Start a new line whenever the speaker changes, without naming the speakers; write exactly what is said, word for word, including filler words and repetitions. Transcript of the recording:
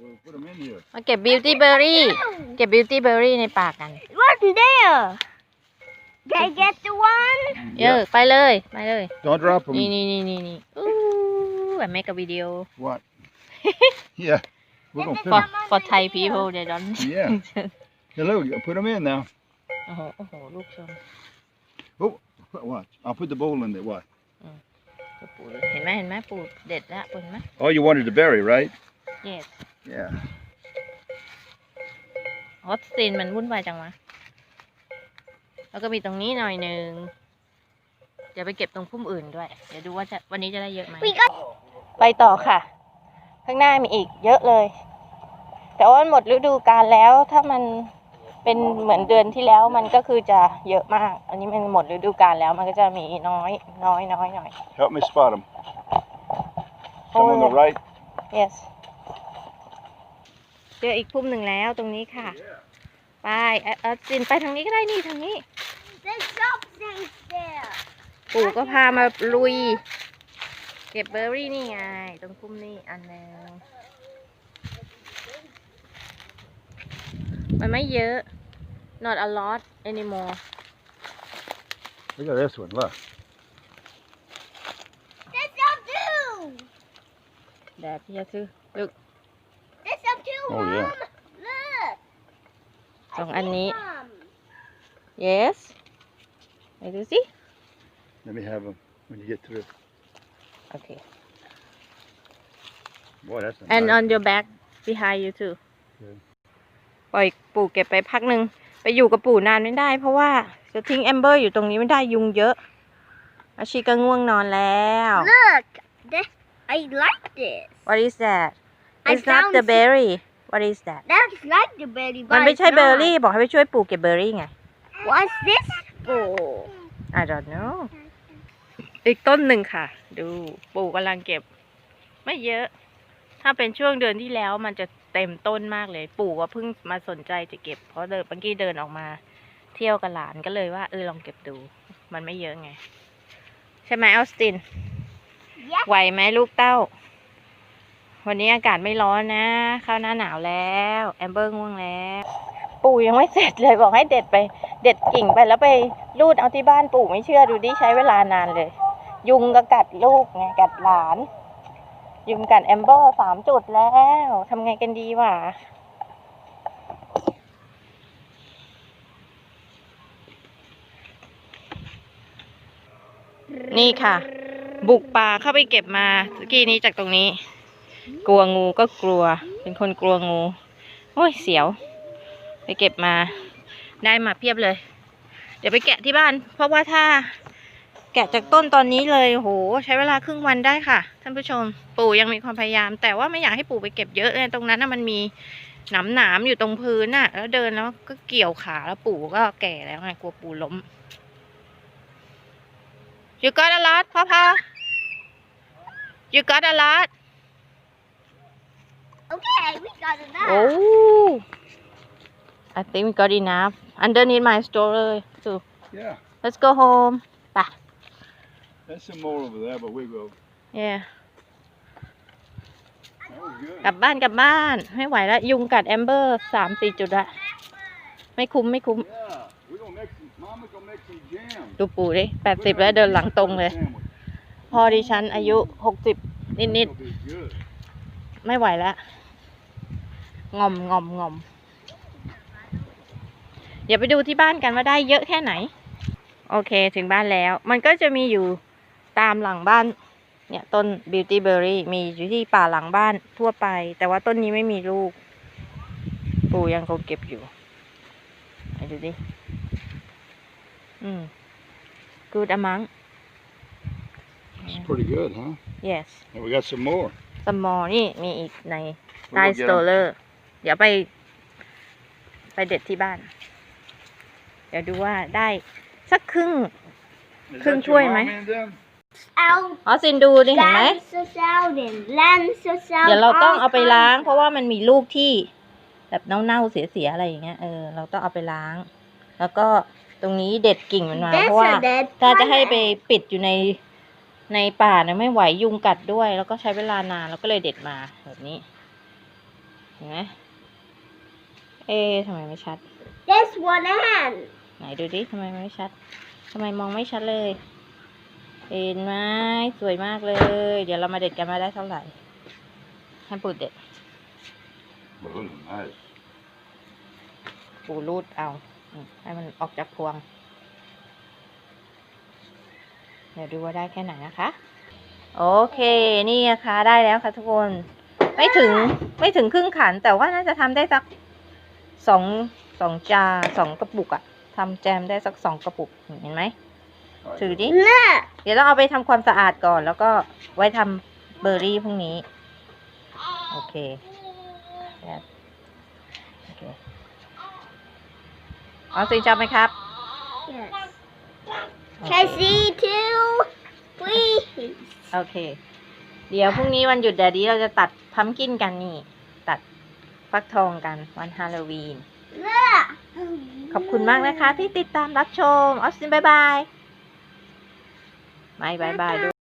put them in here.
มาเก็บบิวตี้เบอร์รี่เก็บบิวตี้เบอร์รี่ในป่ากัน
What's there? Can I get the one?
เยอะไปเลยไปเลย
Don't drop them.
นี่นี่นี่นี่นี่อู้I make a video
What? Yeah. We're gonna put
for
them.
for Thai people they don't
Yeah. Hey, look, put them in now.
โอ้โหโอ้โหลูกชม
Oh, watch. I'll put the bowl in there. What?
ปู่เห็นไหมเห็นไหมปู่เด็ดละปู่เห็นไหม
Oh, you wanted the berry, right?
yes
Yeah.
ฮอตซีนมันวุ่นวายจังวะแล้วก็มีตรงนี้หน่อยหนึ่งเดี๋ยวไปเก็บตรงพุ่มอื่นด้วยเดี๋ยวดูว่าจะวันนี้จะได้เยอะไหม
We got
ไปต่อค่ะ ข้างหน้ามีอีกเยอะเลย แต่ว่าหมดฤดูกาลแล้วถ้ามันเป็นเหมือนเดือนที่แล้วมันก็คือจะเยอะมาก อันนี้มันหมดฤดูกาลแล้วมันก็จะมีน้อยน้อยน้อยหน่อย
Help me spot them. Some on the right.
yes เจออีกพุ่มหนึ่งแล้วตรงนี้ค่ะไปเออเออจินไปทางนี้ก็ได้นี่ทางนี้
there's something there.
ปู่ก็พามาลุยเก็บเบอร์รี่นี่ไงตรงพุ่มนี่อันนึงมันไม่เยอะ not a lot anymore
Look at this one. Look.
There's some too.
แดดพี่จะซื้อลึก
There's some too,
Oh,
Mom.
yeah.
Look.
สองอันนี้
Some.
yes ไหนดูสิ
Let me have them when you get through.
โอเค
Boy, that's a
and
nice.
on your back behind you too
Okay.
ปล่อยปู่เก็บไปพักหนึ่งไปอยู่กับปู่นานไม่ได้เพราะว่าจะทิ้งแอมเบอร์อยู่ตรงนี้ไม่ได้ยุงเยอะอาชีก็ง่วงนอนแล้ว
Look. This, I like this.
what is that
I
it's not
found
the berry what is that
That's like the berry,
มัน
but
ไม่
it's
ใช่เบอร์
not.
รี่บอกให้ไปช่วยปู่เก็บเบอร์รี่ไง
What's this for?
I don't know อีกต้นหนึ่งค่ะ ดูปู่กำลังเก็บ ไม่เยอะ ถ้าเป็นช่วงเดือนที่แล้วมันจะเต็มต้นมากเลย ปู่ก็เพิ่งมาสนใจจะเก็บ เพราะเดินเมื่อกี้เดินออกมา เที่ยวกับหลานก็เลยว่าเออลองเก็บดู มันไม่เยอะไง ใช่ไหมออสติน
Yes.
ไหวไหมลูกเต้า วันนี้อากาศไม่ร้อนนะเข้าหน้าหนาวแล้วแอมเบอร์ง่วงแล้ว ปู่ยังไม่เสร็จเลยบอกให้เด็ดไป เด็ดกิ่งไปแล้วไปรูดเอาที่บ้านปู่ไม่เชื่อดูดิใช้เวลานานเลย ยุงก็กัดลูกไงกัดหลาน ยุงกัดแอมเบอร์สามจุดแล้วทำไงกันดีวะนี่ค่ะ บุกป่าเข้าไปเก็บมาเมื่อกี้นี้จากตรงนี้ กลัวงูก็กลัว เป็นคนกลัวงูโอ้ยเสียว ไปเก็บมาได้มาเพียบเลย เดี๋ยวไปแกะที่บ้าน เพราะว่าถ้าแกะจากต้นตอนนี้เลยโหใช้เวลาครึ่งวันได้ค่ะท่านผู้ชมปู่ยังมีความพยายาม แต่ว่าไม่อยากให้ปู่ไปเก็บเยอะเลยตรงนั้นน่ะมันมีหนามหนามอยู่ตรงพื้นน่ะ แล้วเดินแล้วก็เกี่ยวขาแล้วปู่ก็แก่แล้วไงกลัวปู่ล้มYou got a lot, Papa? You got a lot?
Okay, we got enough.
Oh, I think we got enough. Underneath my stroller too.
Yeah.
Let's go home. Bye.
There's some more over there, but we go.
Yeah.
That was good.
กลับบ้านกลับบ้านไม่ไหวแล้วยุงกัดแอมเบอร์สามสี่จุดละไม่คุ้มไม่คุ้ม
Yeah. We're gonna make some. Mama gonna make some jam.
ดูปู่ดิแปดสิบแล้วเดินหลังตรงเลย พอดิฉันอายุหกสิบนิด
It'll be good.
ๆไม่ไหวแล้วงอมงอมงอมเดี๋ยวไปดูที่บ้านกันว่าได้เยอะแค่ไหน โอเคถึงบ้านแล้ว มันก็จะมีอยู่ตามหลังบ้านเนี่ยต้น Beauty Berry มีอยู่ที่ป่าหลังบ้านทั่วไป แต่ว่าต้นนี้ไม่มีลูก ปู่ยังคงเก็บอยู่ไปดูดิอืม good amount
It's pretty good, huh?
yes
And we got some more.
small นี่มีอีกใน
We'll
ใต้
go
ส
get
โต
'em.
เลอร์เดี๋ยวไป ไปเด็ดที่บ้าน เดี๋ยวดูว่าได้สักครึ่ง
Is
Cưng
that
chuối
your
mày?
mom and them?
Out.
อ๋อซินดูดิเห็นไหม
Land so sounding. Land so sound.
เดี๋ยวเราต้องเอาไปล้าง เพราะว่ามันมีลูกที่แบบเน่าๆเสียๆอะไรอย่างเงี้ยเออเราต้องเอาไปล้าง แล้วก็ตรงนี้เด็ดกิ่งมันมา
That's
เพราะว่า
a dead
ถ้าจะให้ไป
plant.
ปิดอยู่ในในป่าเนี่ยไม่ไหวยุงกัดด้วย แล้วก็ใช้เวลานานเราก็เลยเด็ดมาแบบนี้เห็นไหมเอ๊ะทำไมไม่ชัด
This one hand.
ไหนดูดิทำไมมันไม่ชัดทำไมมองไม่ชัดเลยเห็นไหมสวยมากเลย เดี๋ยวเรามาเด็ดกันมาได้เท่าไหร่ให้ปูเด็ด
Well, nice.
ปูรูดเอาอืมให้มันออกจากพวง เดี๋ยวดูว่าได้แค่ไหนนะคะ โอเคนี่นะคะได้แล้วค่ะทุกคน ไม่ถึงไม่ถึงครึ่งขัน แต่ว่าน่าจะทำได้สักสองสองจาสองกระปุกอะทำแจมได้สักสองกระปุกเห็นไหมถือดิ
Look.
เดี๋ยวต้องเอาไปทำความสะอาดก่อน แล้วก็ไว้ทำเบอร์รี่พรุ่งนี้ โอเคแบบโอเคเอาสิจับไหมครับ
Yes.
โอเค
Can I see too? Please.
โอเค เดี๋ยวพรุ่งนี้วันหยุดแดดดี้เราจะตัดพัมกินกันนี่ ตัดฟักทองกันวันฮาโลวีน
Look.
ขอบคุณมากนะคะที่ติดตามรับชมออสซินบายบาย ไม่บายบายด้วย